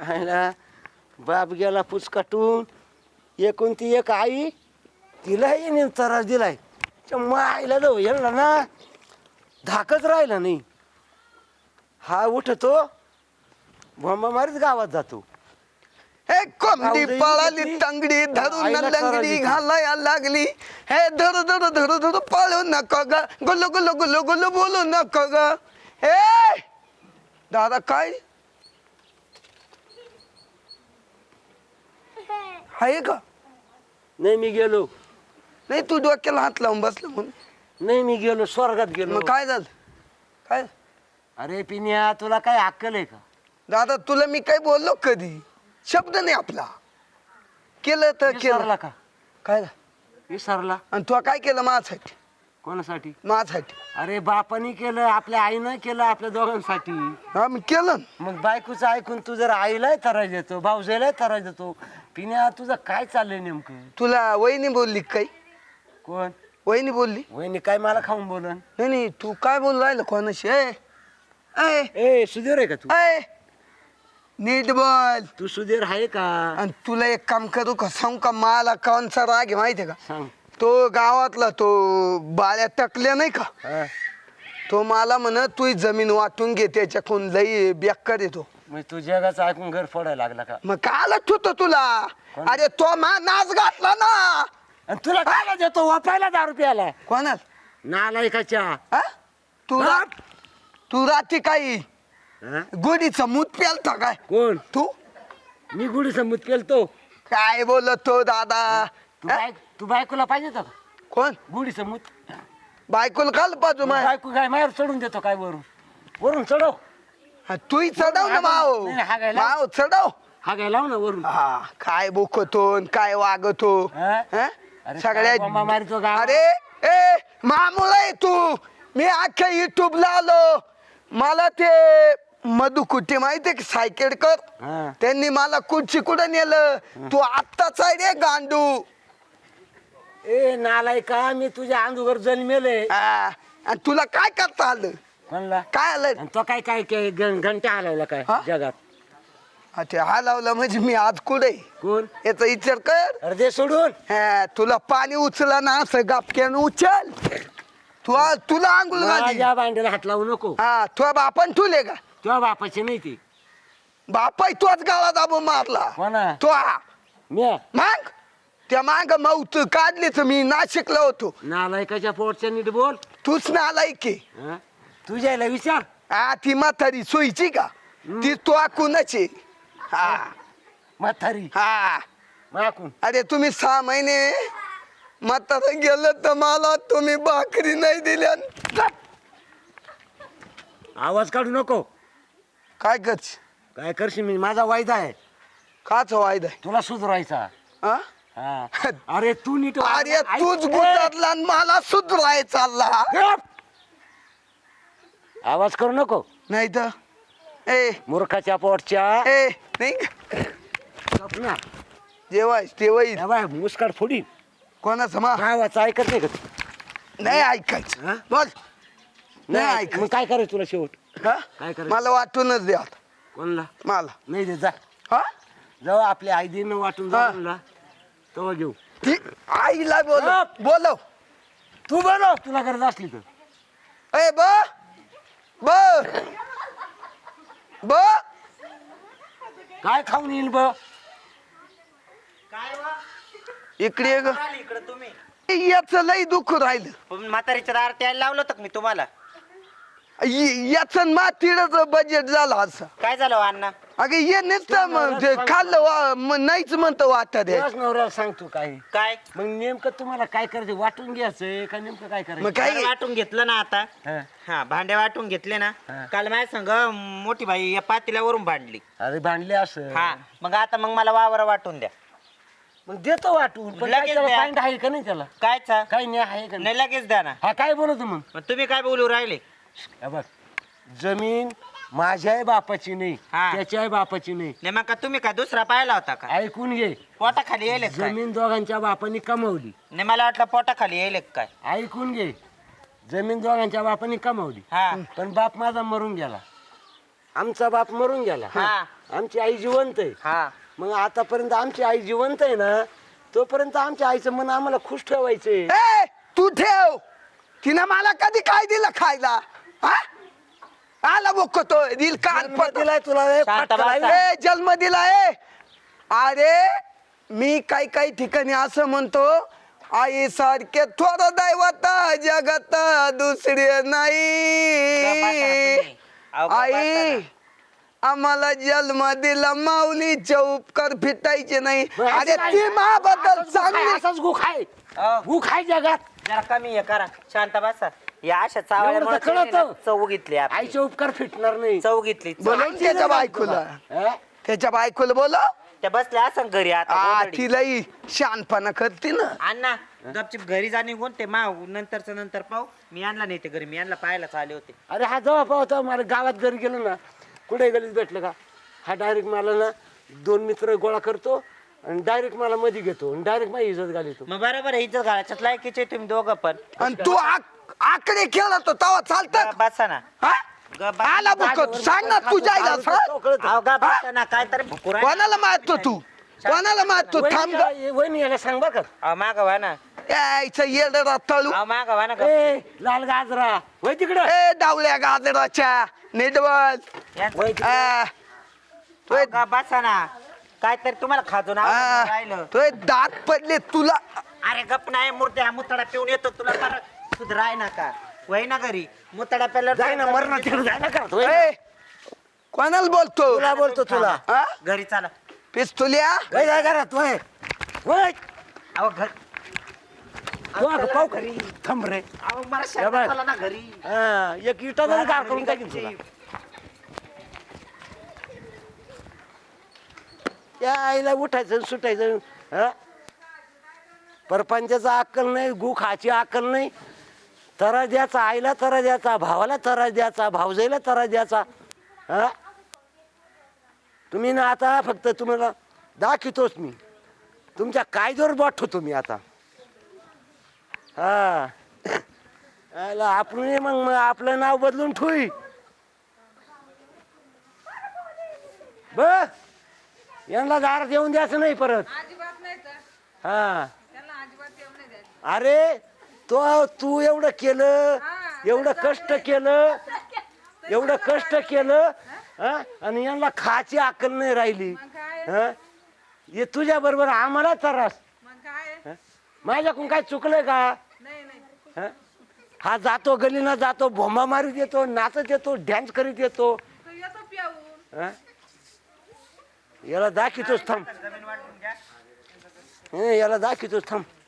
आईला बाप गेला पुचकाटून. एकोणती एक आई तिलाही नेम त्रास दिलाय. मग आईला जाऊ येणार ना धाकच राहिला नाही. हा उठतो भोंबा मारीत गावात जातो. हे कोंबडी जाऊ दे, पळाली इकडे. तंगडी धरून आईला लंगडी करायची. घालाया लागली. हे धरू धरू धरू धरू पळू नको ग गुल्लू गुल्लू गुल्लू गुल्लू बोलू नको ग. हे दादा काय आहे का? नाही मी गेलो. नाही तू डोक्याला हात लावून बसला म्हणून. नाही मी गेलो स्वर्गात गेलो. मग काय झालं काय? अरे पिन्या तुला काय अक्कल आहे का? दादा तुला मी काय बोललो कधी? शब्द नाही आपला. केलं तर विसरला केलं का? काय? विसरला. आणि तू काय केलं माझ्यासाठी? कोणासाठी? माझ्यासाठी. अरे बापानी केलं आपल्या आईनं केलं आपल्या दोघांसाठी. हा मी केलं ना. मग बायकोचं ऐकून तू जर आईलाही त्रास देतो भाऊजाईलाही त्रास देतो. पिन्या तुझं काय चाललंय नेमकं? तुला वहिनी बोलली काही? कोण? वहिनी बोलली? वहिनी काय मला खाऊन बोलन? नाही नाही तू काय बोल राहिलं कोणाशी? ए ए ए सुधीर आहे का तू? ए नीट बोल. तू सुधीर आहे का? आणि तुला एक काम करू का सांग का? मला कोणचा राग आहे माहितीये का? सांग. तो गावातला तो बाळ्या टकल्या नाही का? हा. तो मला म्हण तू जमीन वाटून घे त्याच्याकडून लई बेकार येतो. मग तू जगाचं ऐकून घर फोडायला लागला का? मग काल ठेवतो तुला. कोण? अरे तो नाच घातला ना. आणि तुला काय देतो वापायला 10 रुपयाला? कोणाल नालायकाच्या. हा? तू हा? तू रात्री काही हा? गुडीचं मूत प्यालता काय कोण? तू? मी गुढी समूत केलतो. काय बोलतो दादा? तू बायकोला पाहिजे होता का कोण? गुढी समूत? बायकोला काल पाहतो माय. बायको काय मायावर चढून देतो काय वरून? वरून चढव. तूही चढव ना माव. नाही, हा गायला. माव चढव. हा काय लाव ना वरून. हा काय बोकतो काय वागतो. हा? हा? अरे सगळ्या काय बोंबा मारतो गावात? अरे ए मामुला आहे तू. मी अख्ख्या युट्यूबला आलो. मला ते मधु कुठे माहितीये की सायकेडकर हा. त्यांनी मला कुठची कुठं नेलं. तू आत्ताच आहे रे गांडू. ए नालायका मी तुझ्या अंधुगर जन्मेले. हा. आणि तुला काय करता आलं? म्हणला काय आलं? आणि तो काय काय काय घंटा हलवला काय हा? जगात? हा, ते हलवलं म्हणजे मी आज कुठे कोण? याचा विचार कर. अरे दे सोडून. हा, तुला पाणी उचला ना असं गापक्यानं उचल. तुला आंघोळ घाली. माझ्या भांड्याला हात लावू नको. हा तुझ्या बापान ठुले का? तुझ्या बापाचे नाही ते. बापाय तोच गाळा दाबून मारला. कोणा? तो मी माग त्या माग मौत काढलीच मी नाशिकला होतो. नालायकाच्या पोटच्या नीट बोल. तूच ना आलाय की. हा? तुझ्याला विचार. हा ती म्हातारी सोयीची का? ती तो कुणाची? हा म्हातारी हा. माकून. अरे तुम्ही 6 महिने म्हातारा गेलं तर मला तुम्ही भाकरी नाही दिल्या. आवाज काढू नको. काय करच? काय करशील? मी माझा वायदा आहे काच वायदा आहे? तुला सुधरायचा. हा? हा. अरे तू नीट वाग. अरे ऐक. तूच गुतातला आणि मला सुधराय चालला. गप. आवाज करू नको. नाही तर ए मूर्खाच्या पोटच्या. ए नाही गप ना. जेवाय तेवाई या बाय मुस्काट फोडी. कोणाचं मा गावाचं ऐकत नाही का तू? नाही ऐकायचं. हा? बोल. नाही नाही ऐकायचं. मग काय करायचं तुला शेवट? हा? काय करायचं? मला वाटूनच द्या आता. कोणला? मला नाही दे जा. हा जाऊ आपल्या आई दिन वाटून हा. जा तेव्हा घेऊ. ती आईला बोलव गप. बोलव. तू बनव तुला गरज असली तर. ए ब ब ब काय खाऊन येईल ब? इकडे ये ग. इकडे तुम्ही याच लई दुःख राहिलं. पण म्हातारीच्या दार त्याला लावलं होतं का मी तुम्हाला? याच मातीच बजेट झालं असं. काय झालं हो अण्णा? अगे ये नुसतं ते खाल्लं नाहीच म्हणतं वाटत तुलाच नवऱ्याला सांगतो काय. काय मग नेमकं तुम्हाला काय करायचं? वाटून घ्यायचंय का नेमकं काय करायचं? मग काय भांडे वाटून घेतलं ना आता. हा. हा भांडे वाटून घेतले ना. हा. काल माझ्या संग मोठी बाई या पातेल्यावरून भांडली. अरे भांडले असं. हा मग आता मग मला वावर वाटून द्या. मग देतो वाटून पण लगेच काय त्याला द्या. पॉईंट आहे का नाही त्याला? कायचा काही नाही आहे का नाही? नाही लगेच द्या ना. हा काय बोलतो मग? मग तुम्ही काय बोलू राहिले? हे बघ जमीन माझ्याही बापाची नाही हा. त्याच्याही बापाची नाही. नाही मग का तुम्ही काय दुसरा पाहिला होता का? ऐकून घे. पोटाखाली येईल काय? जमीन दोघांच्या बापाने कमवली. नाही मला वाटलं पोटाखाली येईल काय. ऐकून घे. जमीन दोघांच्या बापाने कमवली हा पण बाप माझा मरून गेला. आमचा बाप मरून गेला हा. आमची आई जिवंत आहे हा मग आतापर्यंत आमची आई जिवंत आहे ना तोपर्यंत आमच्या आईचं मन आम्हाला खुश ठेवायचंय ए तू ठेव तिनं मला कधी काय दिलं खायला हा? आला बोकतो दिल कान जन्म दिलाय तुला ए, शांत फटका बसा. लागलाय. ए जन्म दिलाय अरे मी काही ठिकाणी असं म्हणतो आई सारखे थोडं दैवत जगत दुसरे नाही आई आम्हाला जन्म दिला माऊलीचे उपकार फिटायचे नाही मग असं अरे काय? ती माबद्दल असंच गुखाय, चांगली असंच गुखाय अहो. गुखाय जगात जरा कमी हे करा शांत बसा या अशा एवढं तर चावल्यामुळे कळतं. चव घेतली आपली. आईचे उपकार फिटणार नाही चव घेतली चव. बोलव आईची त्याच्या नाही बायकोला हा? त्याच्या बायकोला बोलव त्या बसल्या असं घरी आता गोधडी. तिलाही शानपणा करते ना अण्णा गपचिप घरी जा निघून ते माव नंतरचं नंतर पाहू मी आणला नाही ते घरी मी आणला पाहायलाच आले होते अरे हा जेव्हा पाहतो मला गावात घरी गेलो ना कुठे गलीत भेटलं का हा डायरेक्ट मला ना 2 मित्र गोळा करतो आणि डायरेक्ट मला मध्ये घेतो आणि डायरेक्ट माझी इज्जत घालतो मग बरोबर आहे, इज्जत घालायच्यात लायकीचे तुम्ही दोघं पण आणि तू आकडे खेळला तो तवा चालतात बसा ना आला बुक सांग ना तुझ्या आईला सांग. अहो, गा बसा ना काहीतरी भुकुर आहे. कोणाला मारतो तू कोणाला मारतो थांब ग. वहिनी याला सांग बरं का अहो माग व्हा ना यायचं येडा तळू अहो माग व्हा ना ए लाल गाजरा वय तिकडं ए डावल्या गाजराच्या निडवल यांचं- वय तिकडं. अहो, गा बसा ना काहीतरी तुम्हाला खाजून आवडून राहिलं तो दात पडले तुला अरे गप नाही मूर्ती हा मुतडा पिऊन येतो तुला परत सुधराय ना का वय ना घरी मुतडा पेल्यावर जाय ना मर ना तिकडे जाय ना का ए, कोणाला बोलतो तुला बोलतो तुला हा? घरी चला पिस्तुल्या वय जाय घरात वय वय अहो घर तू अगं पाहू खरी थांब रे अहो मला या शांत बाय. चला ना घरी हा एक इटा जरी गाळ करून टाकीन तुला या आईला उठायचं आणि सुटायचं हा परपंचाचा अक्कल नाही गु खाची अक्कल नाही तरा द्याचा आईला तरा द्याचा भावाला तरा द्याचा भावजाईला तरा द्याचा हा तुम्ही ना आता फक्त तुम्हाला दाखवतोच मी तुमच्या कायद्यावर बोट ठेवतो मी आता हा आला आपण मग आपलं नाव बदलून ठेवी बर यांना दारात येऊन द्यायचं नाही परत अजिबात नाही तर हा त्यांना अजिबात येऊ नाही द्यायचं. अरे तू एवढं केलं एवढं कष्ट केलं एवढं कष्ट केलं हा आणि यांना खाची अक्कल नाही राहिली मग काय हा हे तुझ्या बरोबर आम्हाला त्रास मग काय हा? माझ्याकडून काय चुकलंय का नाही नाही हा? हा जातो गलीनं जातो भोंबा मारीत येतो नाचत येतो डॅन्स करीत येतो तो येतो पिऊन हा? याला दाखवतोच थांब जमीन वाटून घ्या हे, याला दाखवतोच थांब